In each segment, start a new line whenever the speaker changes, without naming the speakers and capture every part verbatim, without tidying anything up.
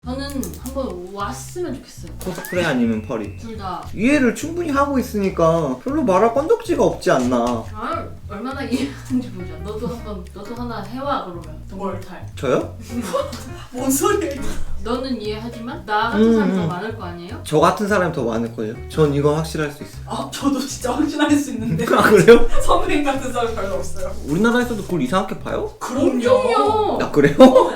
저는 한번 왔으면 좋겠어요.
코스프레 아니면 펄이?
둘 다.
이해를 충분히 하고 있으니까 별로 말할 건덕지가 없지 않나.
아, 얼마나 이해하는지 보자. 너도 한번 너도 하나 해와 그러면. 동물탈.
저요?
뭔 소리야?
너는 이해하지만 나 같은 사람이 더
음.
많을 거 아니에요?
저 같은 사람이 더 많을걸요? 전 이거 확실할 수 있어요.
아 저도 진짜 확신할 수 있는데
아 그래요?
선배님 같은 사람 별로 없어요.
우리나라에서도 그걸 이상하게 봐요?
엄청요.
아 그래요?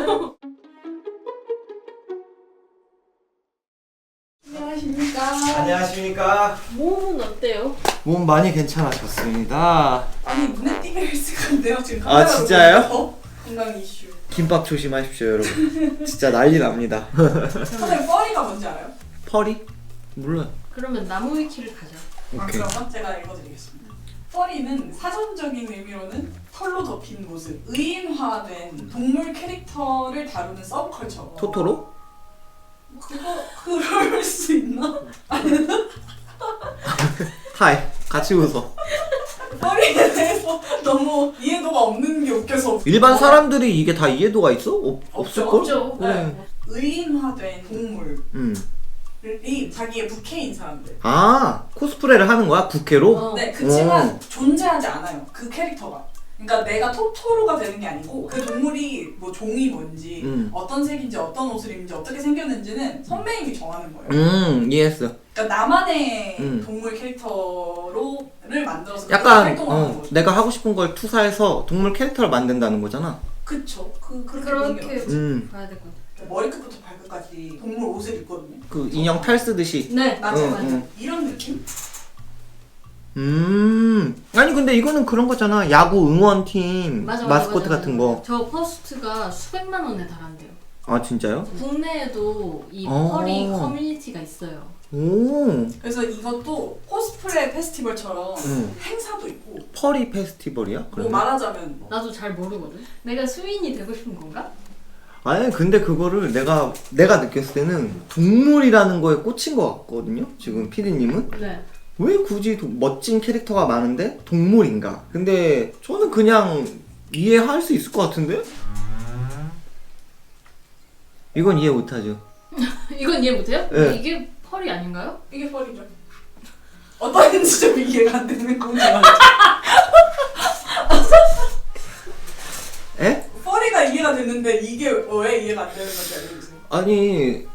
안녕하십니까.
안녕하십니까.
몸은 어때요?
몸 많이 괜찮아졌습니다.
아니 눈에 띄게 헬스한데요 지금.
아, 진짜요?
보면서. 건강 이슈.
김밥 조심하십시오 여러분. 진짜 난리 납니다.
선생님 뻘이가 뭔지 알아요?
펄이? 몰라요.
그러면 나무 위키를 가자.
아,
오케이.
그러면 제가 읽어드리겠습니다. 펄이는 사전적인 의미로는 털로 덮인 모습, 의인화된 동물 캐릭터를 다루는 서브컬처.
토토로?
그거 그럴 수 있나?
하이 같이 웃어.
펄이에 대해서 너무 이해도가 없는 게 웃겨서.
일반 사람들이 이게 다 이해도가 있어? 없, 없을걸?
없죠.
그래.
네. 의인화된 동물이
음.
자기의 부캐인 사람들.
아 코스프레를 하는 거야? 부캐로?
어.
네, 그치만
어.
존재하지 않아요. 그 캐릭터가. 그러니까 내가 토토로가 되는 게 아니고 그 동물이 뭐 종이 뭔지
음.
어떤 색인지 어떤 옷을 입는지 어떻게 생겼는지는 선배님이 정하는 거예요.
음 이해했어.
그러니까 나만의
음.
동물 캐릭터로를 만들어서
약간
활동하는
어,
거죠.
내가 하고 싶은 걸 투사해서 동물 캐릭터를 만든다는 거잖아.
그쵸. 그 그렇게
그렇게
보면
음.
봐야 될 것 같아.
머리끝부터 발끝까지 동물 옷을 입거든요.
그 인형 탈 쓰듯이.
네.
맞아
응,
맞아.
응.
이런 느낌?
음. 아니 근데 이거는 그런 거잖아. 야구 응원팀
맞아, 맞아,
마스코트
맞아,
같은
맞아.
거.
저 퍼스트가 수백만 원에 달한대요.
아 진짜요?
국내에도 이
어.
펄이 커뮤니티가 있어요.
오.
그래서 이것도 코스프레 페스티벌처럼
응.
행사도 있고
펄이 페스티벌이야?
뭐
그러면?
말하자면
나도 잘 모르거든. 내가 수인이 되고 싶은 건가?
아니 근데 그거를 내가 내가 느꼈을 때는 동물이라는 거에 꽂힌 것 같거든요. 지금 피디님은
네.
왜 굳이 도- 멋진 캐릭터가 많은데 동물인가? 근데 저는 그냥 이해할 수 있을 것 같은데? 이건 이해 못하죠.
이건 이해 못해요?
네.
이게 펄이 아닌가요?
이게 펄이죠. 어떤 지점이 이해가 안 되는 건지 알죠?
에?
펄이가 이해가 됐는데 이게 왜 이해가 안 되는 건지 알려주세요.
아니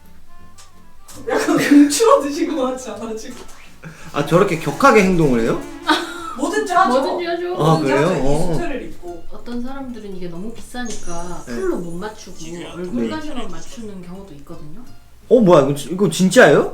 약간 금추어 드신 것 같지 않아 지금?
아 저렇게 격하게 행동을 해요?
뭐든지 하죠.
뭐든지 하죠.
아,
뭐든지
그래요?
하죠.
어.
이 수트를 입고.
어떤 사람들은 이게 너무 비싸니까
네.
풀로 못 맞추고 얼굴까지만 맞추는 경우도 있거든요.
어 뭐야 이거, 지- 이거 진짜예요?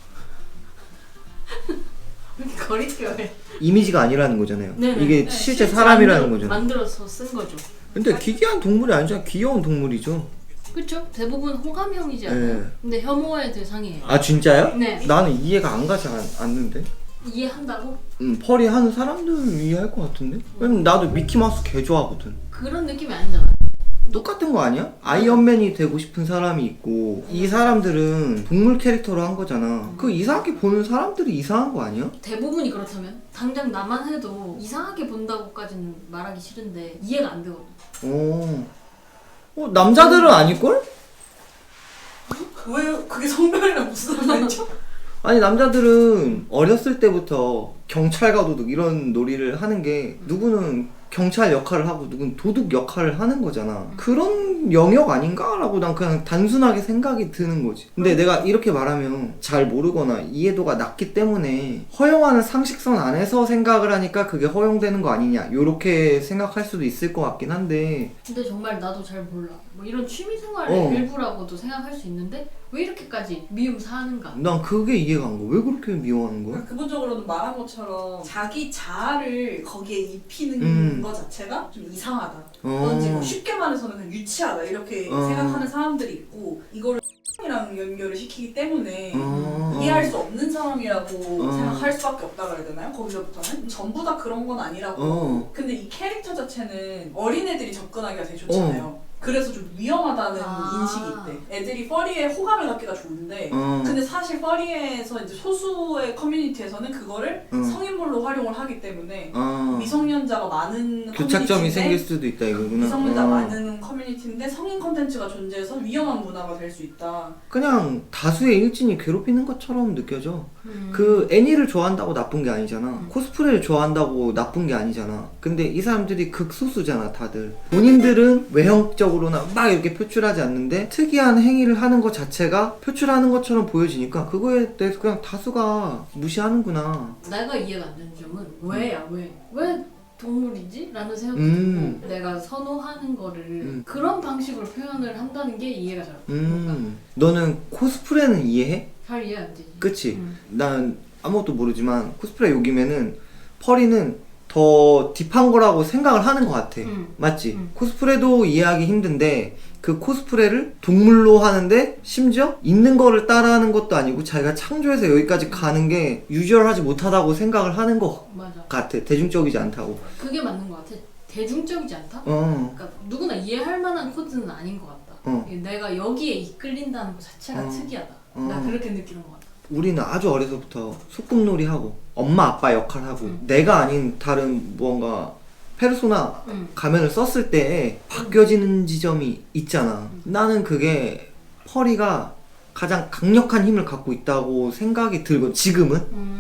거리뼈에.
이미지가 아니라는 거잖아요.
네네.
이게
네,
실제
실제
사람이라는
만들어,
거죠.
만들어서 쓴 거죠.
근데 기괴한 동물이 아니잖아. 귀여운 동물이죠.
그렇죠? 대부분 호감형이지 않아요?
네.
근데 혐오의 대상이에요.
아 진짜요?
네.
나는 이해가 안 가지 않, 않는데.
이해한다고?
음, 펄이 하는 사람들은 이해할 것 같은데? 왜냐면 나도 미키마우스 개 좋아하거든.
그런 느낌이 아니잖아.
똑같은 거 아니야? 아이언맨이 되고 싶은 사람이 있고 이 사람들은 동물 캐릭터로 한 거잖아. 그 이상하게 보는 사람들이 이상한 거 아니야?
대부분이 그렇다면 당장 나만 해도 이상하게 본다고까지는 말하기 싫은데 이해가 안 되거든.
어, 어 남자들은 아닐걸?
왜 그게 성별이랑 무슨 상관이죠?
아니 남자들은 어렸을 때부터 경찰과 도둑 이런 놀이를 하는 게 누구는 경찰 역할을 하고 누구는 도둑 역할을 하는 거잖아. 그런 영역 아닌가라고 난 그냥 단순하게 생각이 드는 거지. 근데 내가 이렇게 말하면 잘 모르거나 이해도가 낮기 때문에 허용하는 상식선 안에서 생각을 하니까 그게 허용되는 거 아니냐 요렇게 생각할 수도 있을 것 같긴 한데
근데 정말 나도 잘 몰라. 뭐 이런 취미생활의
어.
일부라고도 생각할 수 있는데 왜 이렇게까지 미움 사는가?
난 그게 이해가 안 가. 왜 그렇게 미워하는 거야?
그러니까 기본적으로는 말한 것처럼 자기 자아를 거기에 입히는
음.
것 자체가 좀 이상하다.
어.
그런지 뭐 쉽게 말해서는 그냥 유치하다 이렇게
어.
생각하는 사람들이 있고 이거를 이랑 연결을 시키기 때문에
어.
이해할 수 없는 사람이라고
어.
생각할 수밖에 없다 그래야 되나요? 거기서부터는 전부 다 그런 건 아니라고.
어.
근데 이 캐릭터 자체는 어린애들이 접근하기가 되게 좋잖아요. 그래서 좀 위험하다는
아.
인식이 있대. 애들이 퍼리에 호감을 갖기가 좋은데
어.
근데 사실 퍼리에서 이제 소수의 커뮤니티에서는 그거를
응.
성인물로 활용을 하기 때문에
어.
미성년자가 많은
교착점이
커뮤니티인데
생길 수도 있다 이거구나.
미성년자
어.
많은 커뮤니티인데 성인 콘텐츠가 존재해서 위험한 문화가 될 수 있다.
그냥 다수의 일진이 괴롭히는 것처럼 느껴져.
음.
그 애니를 좋아한다고 나쁜 게 아니잖아.
음.
코스프레를 좋아한다고 나쁜 게 아니잖아. 근데 이 사람들이 극소수잖아, 다들. 본인들은 외형적으로나 막 이렇게 표출하지 않는데 특이한 행위를 하는 것 자체가 표출하는 것처럼 보여지니까 그거에 대해서 그냥 다수가 무시하는구나.
내가 이해가 안 되는 점은 왜야 왜? 왜 동물이지? 라는 생각이
음.
들고 내가 선호하는 거를
음.
그런 방식으로 표현을 한다는 게 이해가 잘 안 돼.
음. 너는 코스프레는 이해해?
잘 이해 안 되지.
그치?
음.
난 아무것도 모르지만 코스프레 요기면은 펄이는 더 딥한 거라고 생각을 하는 것 같아.
음.
맞지?
음.
코스프레도 이해하기 힘든데 그 코스프레를 동물로 하는데 심지어 있는 거를 따라하는 것도 아니고 자기가 창조해서 여기까지 가는 게 유저럴하지 못하다고 생각을 하는 것
맞아.
같아. 대중적이지 않다고.
그게 맞는 것 같아. 대중적이지 않다?
어.
그러니까 누구나 이해할 만한 코드는 아닌 것 같다.
어.
내가 여기에 이끌린다는 것 자체가
어.
특이하다.
어.
나 그렇게 느끼는 것 같아.
우리는 아주 어려서부터 소꿉놀이 하고 엄마 아빠 역할 하고
음.
내가 아닌 다른 무언가 페르소나
응.
가면을 썼을 때 바뀌어지는 지점이 있잖아. 나는 그게 펄이가 가장 강력한 힘을 갖고 있다고 생각이 들고 지금은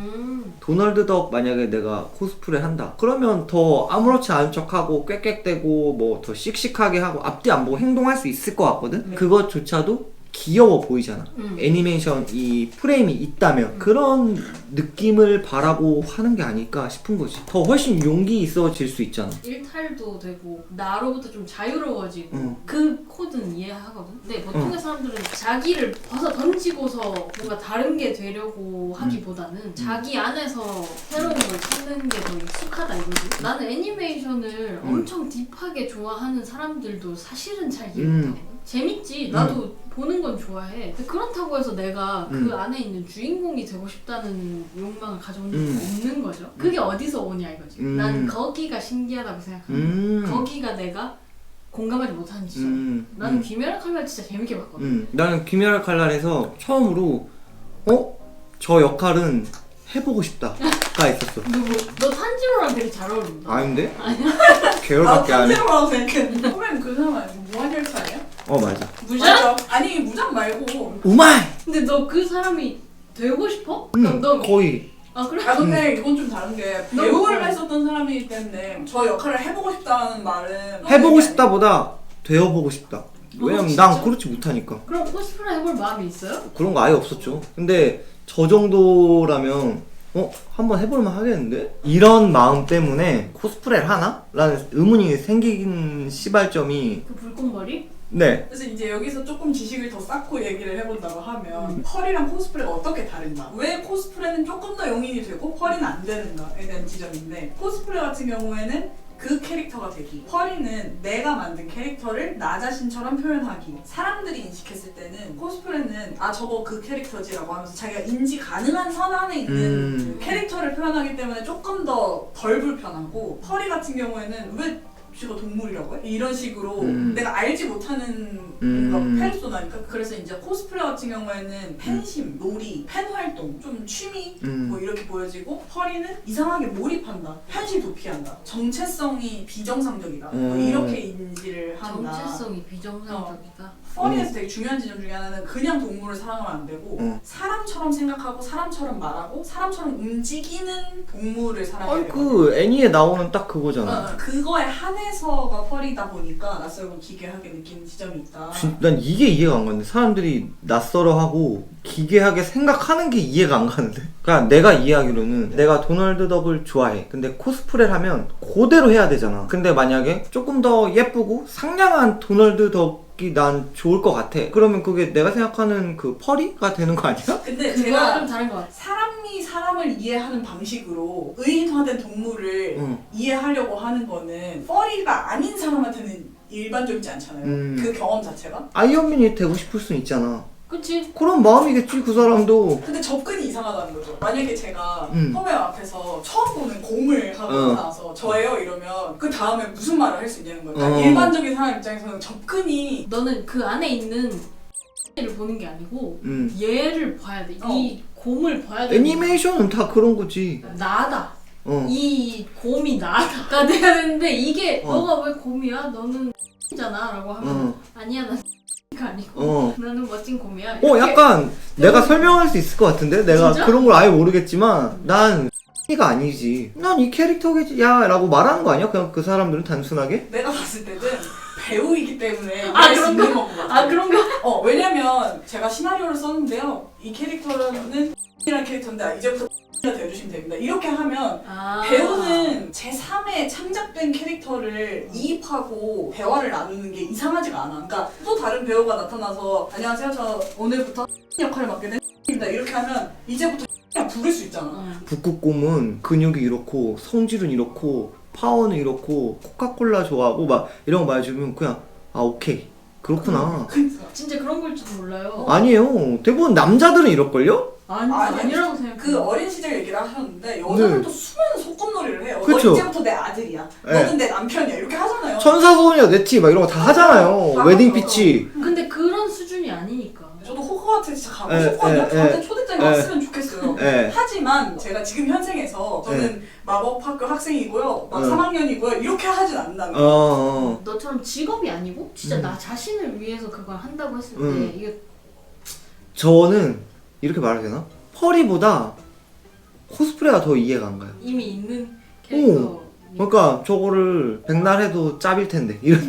음.
도널드 덕 만약에 내가 코스프레 한다 그러면 더 아무렇지 않은 척하고 꽥꽥대고 뭐 더 씩씩하게 하고 앞뒤 안 보고 행동할 수 있을 것 같거든.
네.
그것조차도 귀여워 보이잖아.
음.
애니메이션 이 프레임이 있다면 그런 느낌을 바라고 하는 게 아닐까 싶은 거지. 더 훨씬 용기 있어질 수 있잖아.
일탈도 되고 나로부터 좀 자유로워지고
응.
그 코드는 이해하거든. 근데 보통의
응.
사람들은 자기를 벗어 던지고서 뭔가 다른 게 되려고 하기보다는 자기 안에서 새로운 걸 찾는 게 더 익숙하다 이거지. 나는 애니메이션을
응.
엄청 딥하게 좋아하는 사람들도 사실은 잘 이해
음.
못하거든. 재밌지. 나도 보는 건 좋아해. 근데 그렇다고 해서 내가
음.
그 안에 있는 주인공이 되고 싶다는 욕망을 가져온 적이
음.
없는 거죠. 그게 어디서 오냐 이거지.
음.
난 거기가 신기하다고 생각합니다.
음.
거기가 내가 공감하지 못하는 지점.
음.
나는
음.
귀멸의 칼날 진짜 재밌게 봤거든.
음. 나는 귀멸의 칼날에서 처음으로 어? 저 역할은 해보고 싶다가 있었어.
누구? 너 탄지로랑 되게 잘 어울린다.
아닌데?
아니야?
계열밖에 안 해.
탄지로라고 생각했는데 선배님 그 사람 아니고 무한열차예요?
어 맞아.
무장?
맞아. 아니 무장 말고
우마이!
근데 너 그 사람이 되고 싶어?
응
너, 너...
거의.
아 그래?
아 근데 이건 좀 다른 게
너
배우를
뭐-
했었던 사람이기 때문에 저 역할을 해보고 싶다는 말은
해보고 싶다보다 되어보고 싶다. 왜냐면
진짜?
난 그렇지 못하니까.
그럼 코스프레 해볼 마음이 있어요?
그런 거 아예 없었죠. 근데 저 정도라면 어? 한번 해볼만 하겠는데? 이런 마음 때문에 코스프레를 하나? 라는 의문이 생긴 시발점이
그 불꽃머리?
네.
그래서 이제 여기서 조금 지식을 더 쌓고 얘기를 해본다고 하면
음.
펄이랑 코스프레가 어떻게 다른가? 왜 코스프레는 조금 더 용인이 되고 펄이는 안 되는가에 대한 지점인데 코스프레 같은 경우에는 그 캐릭터가 되기. 펄이는 내가 만든 캐릭터를 나 자신처럼 표현하기. 사람들이 인식했을 때는 코스프레는 아 저거 그 캐릭터지라고 하면서 자기가 인지 가능한 선 안에 있는
음.
그 캐릭터를 표현하기 때문에 조금 더 덜 불편하고 펄이 같은 경우에는 왜 쥐가 동물이라고 해? 이런 식으로
음.
내가 알지 못하는
음.
뭔가 페르소나니까. 그래서 이제 코스프레 같은 경우에는 팬심, 놀이, 팬 활동, 좀 취미
음.
뭐 이렇게 보여지고 펄이는 이상하게 몰입한다, 현실 도피한다, 정체성이 비정상적이다 뭐
음.
이렇게 인지를 한다.
정체성이 비정상적이다.
펄이에서 되게 중요한 지점 중에 하나는 그냥 동물을 사랑하면 안 되고
음.
사람처럼 생각하고 사람처럼 말하고 사람처럼 움직이는 동물을 사랑해야
아니
되거든.
그 애니에 나오는 딱 그거잖아.
어, 그거에 한해서가 펄이다 보니까 낯설고 기괴하게 느끼는 지점이 있다.
진- 난 이게 이해가 안 가는데 사람들이 낯설어하고 기괴하게 생각하는 게 이해가 안 가는데. 그러니까 내가 이해하기로는 내가 도널드 덕을 좋아해. 근데 코스프레를 하면 그대로 해야 되잖아. 근데 만약에 조금 더 예쁘고 상냥한 도널드 덕이 난 좋을 것 같아. 그러면 그게 내가 생각하는 그 펄이가 되는 거 아니야?
근데
그거랑
제가
좀 다른 것 같아.
사람이 사람을 이해하는 방식으로 의인화된 동물을
응.
이해하려고 하는 거는 펄이가 아닌 사람한테는 일반적이지 않잖아요.
음.
그 경험 자체가.
아이언맨이 되고 싶을 순 있잖아.
그치?
그런 마음이겠지 그 사람도.
근데 접근이 이상하다는 거죠. 만약에 제가
음.
펌웨어 앞에서 처음 보는 공을 하고
어.
나와서 저예요 이러면 그 다음에 무슨 말을 할 수 있냐는 거예요. 그러니까
어.
일반적인 사람 입장에서는 접근이
너는 그 안에 있는 를 보는 게 아니고
음.
얘를 봐야 돼.
어.
이 곰을 봐야 돼.
애니메이션은 다 그런 거지.
나다.
어.
이 곰이 나다가 돼야 되는데 이게
어.
너가 왜 곰이야? 너는 잖아 라고 하면
어.
아니야 난 가 아니고
어.
나는 멋진 곰이야.
어,
이렇게.
약간 내가 설명할 수 있을 것 같은데? 내가
진짜?
그런 걸 아예 모르겠지만 난 가 아니지. 난 이 캐릭터겠지. 야 라고 말하는 거 아니야? 그냥 그 사람들은 단순하게?
내가 봤을 때는 배우이기 때문에
아,
이해할 수
그런
있는
거?
건 같아요.
아 그런 거?
어 왜냐면 제가 시나리오를 썼는데요. 이 캐릭터는 이라는 캐릭터인데 이제부터 가 되어주시면 됩니다. 이렇게 하면
아.
배우는 제삼의 창작된 캐릭터를 이입하고 대화를 나누는 게 이상하지가 않아. 그러니까 또 다른 배우가 나타나서 안녕하세요 저 오늘부터 역할을 맡게 됐습니다 이렇게 하면 이제부터 그냥 부를 수 있잖아.
어.
북극곰은 근육이 이렇고 성질은 이렇고 파워는 이렇고 코카콜라 좋아하고 막 이런 거 말해주면 그냥 아 오케이 그렇구나.
그러니까.
진짜 그런 걸지도 몰라요.
아니에요. 대부분 남자들은 이럴걸요?
아니,
아니,
아니라고 생각해.
그 어린 시절 얘기를 하셨는데 여자들도
네.
수많은 소꿉놀이를 해요.
그쵸.
너 이제부터 내 아들이야.
네.
너는 내 남편이야. 이렇게 하잖아요.
천사소녀 네티 막 이런 거 다 하잖아요.
다
웨딩
하죠.
피치.
근데 그런 수준이 아니니까.
저도 호그와트 진짜 가고
에,
싶거든요.
에,
저한테
에,
초대장이
에.
왔으면 좋겠어요.
예.
하지만 제가 지금 현생에서 저는 마법학교 학생이고요. 막
응.
삼 학년이고요. 이렇게 하진 않는다는
어,
거예요.
어.
너처럼 직업이 아니고 진짜
음.
나 자신을 위해서 그걸 한다고 했을 때
음.
이게
저는 이렇게 말해도 되나? 펄이보다 코스프레가 더 이해가 안 가요.
이미 있는 캐릭터.
그러니까 저거를 백날 해도 짭일 텐데 이런.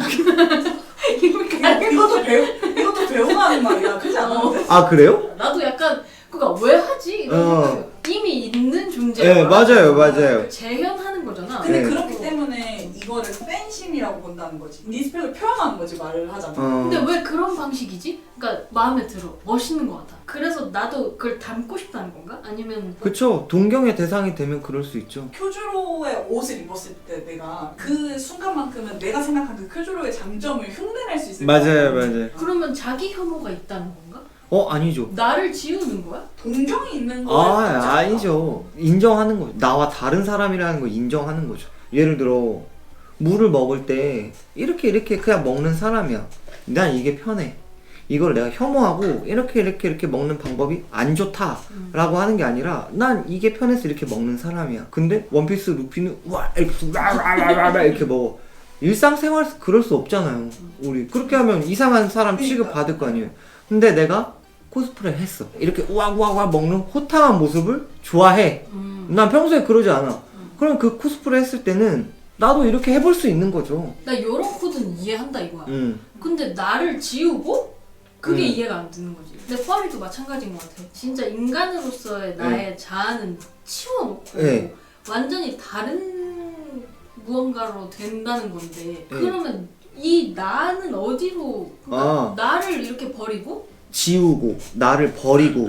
이거, 이것도 배우 이것도 배우가 하는 말이야. 그렇지 않은데?
아 그래요?
나도 약간 그니까 왜 하지? 이런
어.
생각이 이미 있는 존재야.
네 맞아요 맞아요.
재현하는 거잖아.
근데
네.
그렇기 때문에 이거를 팬심이라고 본다는 거지. 리스펙을 표현하는 거지 말을 하자면.
어.
근데 왜 그런 방식이지? 그러니까 마음에 들어. 멋있는 것 같아. 그래서 나도 그걸 닮고 싶다는 건가? 아니면
그쵸. 동경의 대상이 되면 그럴 수 있죠.
큐주로의 옷을 입었을 때 내가 그 순간만큼은 내가 생각한 그 큐주로의 장점을 흉내낼 수 있을 것
맞아요
같아.
맞아요.
그러면 자기 혐오가 있다는 건가?
어 아니죠.
나를 지우는 거야?
동경이 있는 거에
아
가깝지 않나?
아니죠. 인정하는 거죠. 나와 다른 사람이라는 걸 인정하는 거죠. 예를 들어 물을 먹을 때 이렇게 이렇게 그냥 먹는 사람이야. 난 이게 편해. 이걸 내가 혐오하고 이렇게 이렇게 이렇게 먹는 방법이 안 좋다라고 하는 게 아니라 난 이게 편해서 이렇게 먹는 사람이야. 근데 원피스 루피는 와 이렇게 와와와와 이렇게 먹어. 일상생활에서 그럴 수 없잖아요. 우리 그렇게 하면 이상한 사람 취급 받을 거 아니에요. 근데 내가 코스프레 했어. 이렇게 우와우와와 먹는 호탕한 모습을 좋아해.
음.
난 평소에 그러지 않아. 그럼 그 코스프레 했을 때는 나도 이렇게 해볼 수 있는 거죠.
나 요런 코드는 이해한다 이거야.
음.
근데 나를 지우고 그게
음.
이해가 안 되는 거지. 근데 펄이도 마찬가지인 것 같아. 진짜 인간으로서의 나의 자아는 치워놓고
네.
완전히 다른 무언가로 된다는 건데
네.
그러면 이 나는 어디로 그러니까
아.
나를 이렇게 버리고
지우고 나를 버리고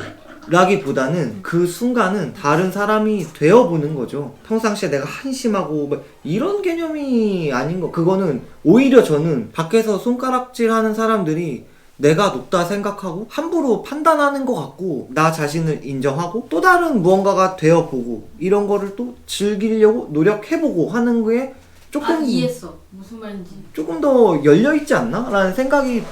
라기보다는 그 순간은 다른 사람이 되어보는 거죠. 평상시에 내가 한심하고 뭐 이런 개념이 아닌 거. 그거는 오히려 저는 밖에서 손가락질 하는 사람들이 내가 높다 생각하고 함부로 판단하는 것 같고 나 자신을 인정하고 또 다른 무언가가 되어보고 이런 거를 또 즐기려고 노력해보고 하는 게 조금
아 이해했어 무슨 말인지.
조금 더 열려있지 않나? 라는 생각이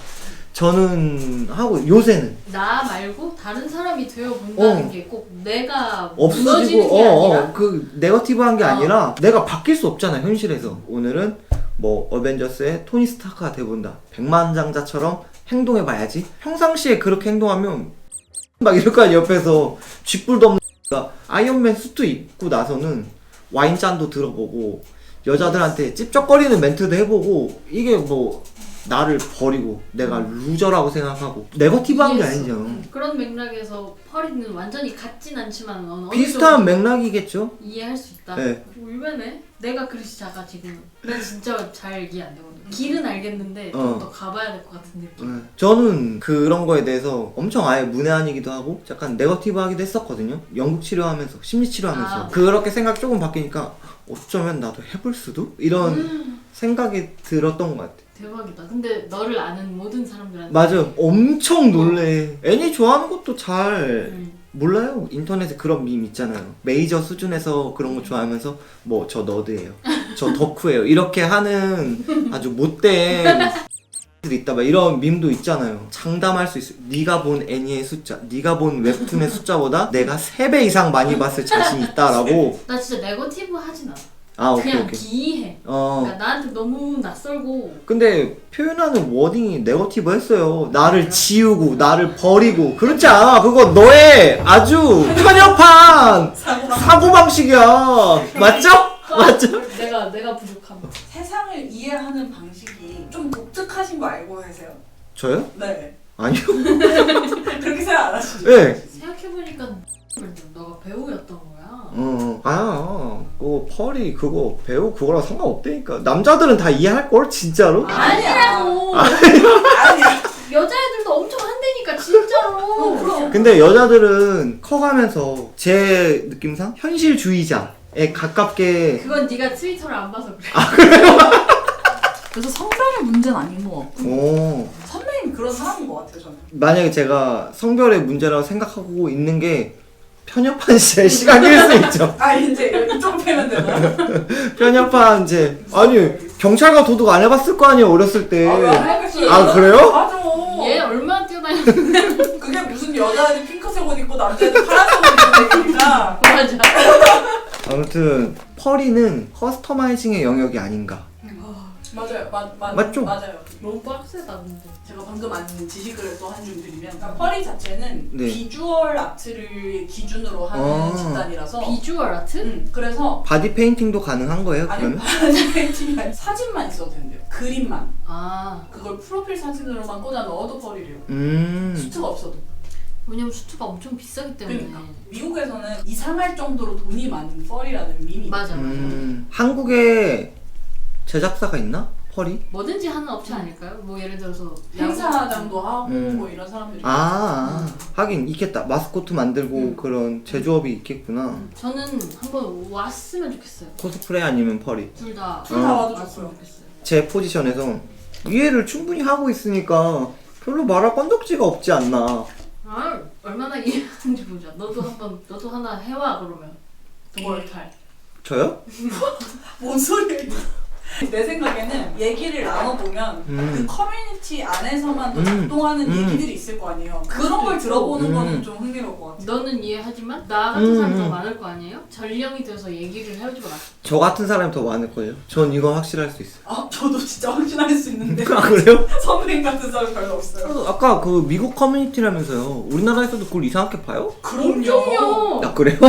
저는 하고 요새는
나 말고 다른 사람이 되어 본다는
어.
게 꼭 내가
없어지고
무너지는 게
어,
아니라
어, 그 네거티브한 게
어.
아니라 내가 바뀔 수 없잖아 현실에서. 오늘은 뭐 어벤져스의 토니 스타크가 돼본다. 백만장자처럼 행동해봐야지. 평상시에 그렇게 행동하면 막 이럴 거 아니야. 옆에서 쥐뿔도 없는 X가 아이언맨 수트 입고 나서는 와인잔도 들어보고 여자들한테 찝쩍거리는 멘트도 해보고 이게 뭐 나를 버리고 내가 루저라고 생각하고 네거티브한 게
이해했어.
아니죠.
음, 그런 맥락에서 펄이는 완전히 같진 않지만 어느
비슷한
정도
맥락이겠죠.
이해할 수 있다.
네.
울베네. 내가 그릇이 작아 지금. 난 진짜 잘 이해 안 되거든. 길은 알겠는데
어.
좀 더 가봐야 될 것 같은 느낌.
네. 저는 그런 거에 대해서 엄청 아예 문외한이기도 하고 약간 네거티브하기도 했었거든요. 연극 치료하면서 심리 치료하면서
아.
그렇게 생각 조금 바뀌니까 어쩌면 나도 해볼 수도 이런
음,
생각이 들었던 것 같아.
대박이다. 근데 너를 아는 모든 사람들한테
맞아, 엄청 놀래. 애니 좋아하는 것도 잘
음.
몰라요. 인터넷에 그런 밈 있잖아요. 메이저 수준에서 그런 거 좋아하면서 뭐 저 너드예요, 저 덕후예요 이렇게 하는 아주 못된 들 있다 막 이런 밈도 있잖아요. 장담할 수 있어요. 네가 본 애니의 숫자, 네가 본 웹툰의 숫자보다 내가 세 배 이상 많이 봤을 자신이 있다라고.
나 진짜 네거티브 하진 않아.
아 오케이
그냥
오케이.
기이해.
어
그러니까 나한테 너무 낯설고.
근데 표현하는 워딩이 네거티브 했어요. 나를 지우고 나를 버리고 그렇지 않아. 그거 너의 아주 편협한 사고방식이야. 맞죠? 맞죠?
내가 내가 부족함.
세상을 이해하는 방식이 좀 독특하신 거 알고 계세요?
저요?
네.
아니요.
그렇게 생각 안 하시죠?
네.
생각해보니까 너가 배우였던 거야.
어, 아, 그 펄이 그거 배우 그거랑 상관없다니까. 남자들은 다 이해할 걸 진짜로?
아니라고.
아니야.
여자애들도 엄청 한대니까 진짜로.
어, 그럼.
근데 여자들은 커가면서 제 느낌상 현실주의자에 가깝게.
그건 네가 트위터를 안 봐서 그래.
그래서 성별의 문제는 아닌 것 같고
오.
선배님 그런 사람인 것 같아요 저는.
만약에 제가 성별의 문제라고 생각하고 있는 게 편협한 제 시각일 수 있죠.
아 이제 이쪽 패면 되나?
편협한 제 아니 경찰과 도둑 안 해봤을 거 아니에요 어렸을 때.
아, 왜 알겠어요?
아, 그래요?
맞아.
얘 얼마나 뛰어다녔는데.
그게 무슨 여자애들 핑크색 옷 입고 남자애들 파란색 옷 입고 얘기니까.
맞아.
아무튼 펄이는 커스터마이징의 영역이 아닌가.
맞아요. 마, 마,
맞죠?
맞아요.
너무 빡세다 근데.
제가 방금 아는 지식을 또 한 줄 드리면 그러니까 펄이 자체는
네.
비주얼 아트를 기준으로 하는
아.
집단이라서
비주얼 아트?
음, 그래서
바디 페인팅도 가능한 거예요
아니
그러면?
바디 페인팅이 아니라 사진만 있어도 된대요. 그림만.
아
그걸 프로필 사진으로만 꽂아 넣어도 펄이래요.
음.
수트가 없어도.
왜냐면 수트가 엄청 비싸기 때문에.
그러니까 미국에서는 이상할 정도로 돈이 많은 펄이라는 밈이
맞아 맞아.
음. 한국에 제작사가 있나? 펄이?
뭐든지 하는 업체 아닐까요? 뭐 예를 들어서
행사장도 하고
음.
뭐 이런 사람들이
아, 하긴 있겠다. 마스코트 만들고
음.
그런 제조업이 있겠구나.
저는 한번 왔으면 좋겠어요.
코스프레 아니면 펄이.
둘 다.
둘 다 와도
왔으면
좋고요.
좋겠어요.
제 포지션에서 이해를 충분히 하고 있으니까 별로 말할 건덕지가 없지 않나.
아 얼마나 이해하는지 보자. 너도 한번 너도 하나 해와 그러면. 동물탈.
저요?
뭔 소리야? 내 생각에는 얘기를 나눠보면
음.
그 커뮤니티 안에서만 또
음.
작동하는
음.
얘기들이 있을 거 아니에요. 그런 걸 들어보는
음.
거는 좀 흥미로울 것 같아요.
너는 이해하지만 나 같은
음,
사람 더
음.
많을 거 아니에요? 전령이 돼서 얘기를 해주고 나.
저 같은 사람이 더 많을걸요? 전 이건 확실할 수 있어요.
아 저도 진짜 확신할 수 있는데
아, 그래요?
선배님 같은 사람 별로 없어요.
아까 그 미국 커뮤니티라면서요. 우리나라에서도 그걸 이상하게 봐요?
엄청요.
아, 그래요?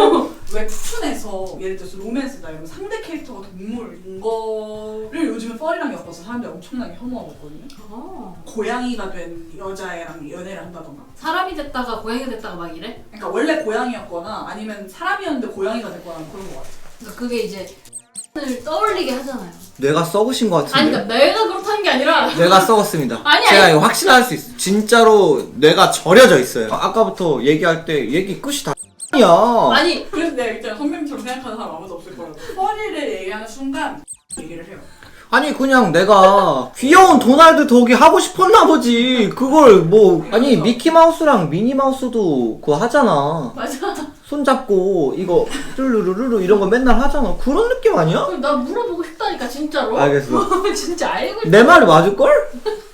웹툰에서 예를 들어서 로맨스다 이러면 상대 캐릭터가 동물인 거를 요즘에 펄이랑 엮어서 사람들이 엄청나게 혐오하고 있거든요.
아,
고양이가 된 여자애랑 연애를 한다던가.
사람이 됐다가 고양이 됐다가 막 이래?
그러니까 원래 고양이였거나 아니면 사람이었는데 고양이가 됐거나 그런 거 같아.
그러니까 그게 이제 을 떠올리게 하잖아요.
뇌가 썩으신 것 같은데.
아니 그러니까 내가 그렇다는 게 아니라
뇌가 썩었습니다.
아니,
제가
아니.
이거 확신할 수 있어요. 진짜로 뇌가 절여져 있어요. 아, 아까부터 얘기할 때 얘기 끝이 다 야.
아니
그래서 내가 일단 선배님처럼 생각하는 사람 아무도 없을 거라고. 펄이를 얘기하는 순간 얘기를 해요.
아니 그냥 내가 귀여운 도날드 덕이 하고 싶었나 보지. 그걸 뭐 아니 미키마우스랑 미니마우스도 그거 하잖아.
맞아.
손잡고 이거 뚜루루루루 이런 거 맨날 하잖아. 그런 느낌 아니야?
그럼 나 물어보고 싶다니까 진짜로.
알겠어.
진짜 알고 있어.
내 말이 맞을걸?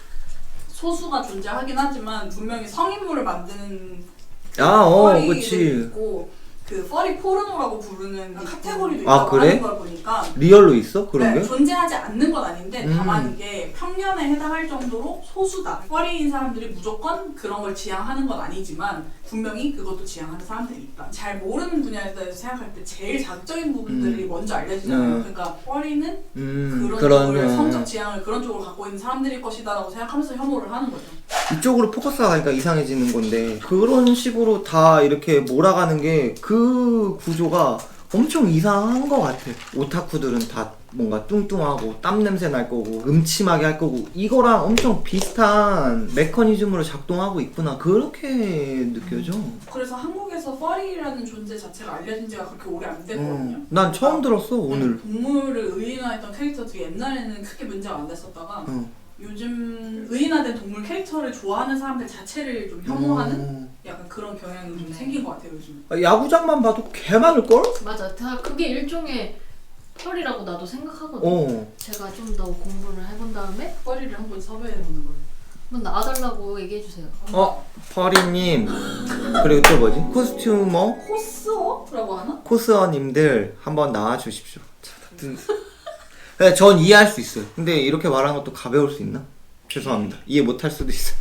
소수가 존재하긴 하지만 분명히 성인물을 만드는
아, 어,
펄이들이
그치.
있고 그 펄이 포르노라고 부르는 카테고리도
아,
있다고
그래?
하는 걸 보니까
리얼로 있어? 그런
네,
게?
존재하지 않는 건 아닌데
음.
다만 이게 평면에 해당할 정도로 소수다. 펄이인 사람들이 무조건 그런 걸 지향하는 건 아니지만 분명히 그것도 지향하는 사람들이 있다. 잘 모르는 분야에 대해서 생각할 때 제일 자극적인 부분들이 먼저 알려지잖아요.
음.
그러니까 펄이는
음,
그런
그런
쪽을
어.
성적 지향을 그런 쪽으로 갖고 있는 사람들일 것이다라고 생각하면서 혐오를 하는 거죠.
이쪽으로 포커스가 가니까 이상해지는 건데 그런 식으로 다 이렇게 몰아가는 게 그 구조가 엄청 이상한 것 같아. 오타쿠들은 다 뭔가 뚱뚱하고 땀 냄새 날 거고 음침하게 할 거고 이거랑 엄청 비슷한 메커니즘으로 작동하고 있구나 그렇게 느껴져.
그래서 한국에서 퍼리라는 존재 자체가 알려진 지가 그렇게 오래 안 됐거든요.
어, 난 처음 들었어 오늘.
동물을 의인화했던 캐릭터들이 옛날에는 크게 문제가 안 됐었다가
어.
요즘 의인화된 동물 캐릭터를 좋아하는 사람들 자체를 좀 혐오하는
어.
약간 그런 경향이 좀
네.
생긴 것 같아요 요즘.
아, 야구장만 봐도 개 많을걸?
맞아. 다 그게 일종의 펄이라고 나도 생각하거든.
어.
제가 좀 더 공부를 해본 다음에
퍼리를 한번 섭외해보는 거예요.
한번 나와달라고 얘기해주세요.
어, 퍼리님. 그리고 또 뭐지? 코스튜머?
코스어라고 하나?
코스어님들 한번 나와주십시오. 자, 든- 네, 전 이해할 수 있어요. 근데 이렇게 말하는 것도 가벼울 수 있나? 죄송합니다. 이해 못할 수도 있어요.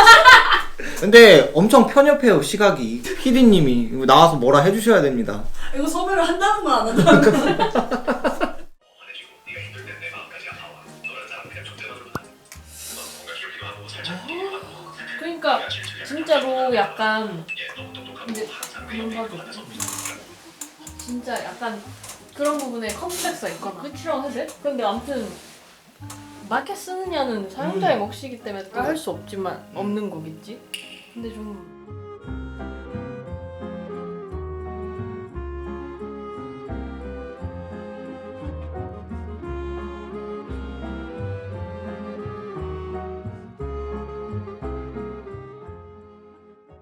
근데 엄청 편협해요 시각이. 피디님이 이거 나와서 뭐라 해주셔야 됩니다.
이거 섭외를 한다는 거 안 한다는 거?
그러니까 진짜로 약간 근데 그런 거 진짜 약간 그런 부분에 컴플렉스가 있거나 끝이라고 해야 돼? 근데 아무튼 맞게 쓰느냐는 사용자의 몫이기 때문에 할 수 없지만 없는 거겠지? 근데 좀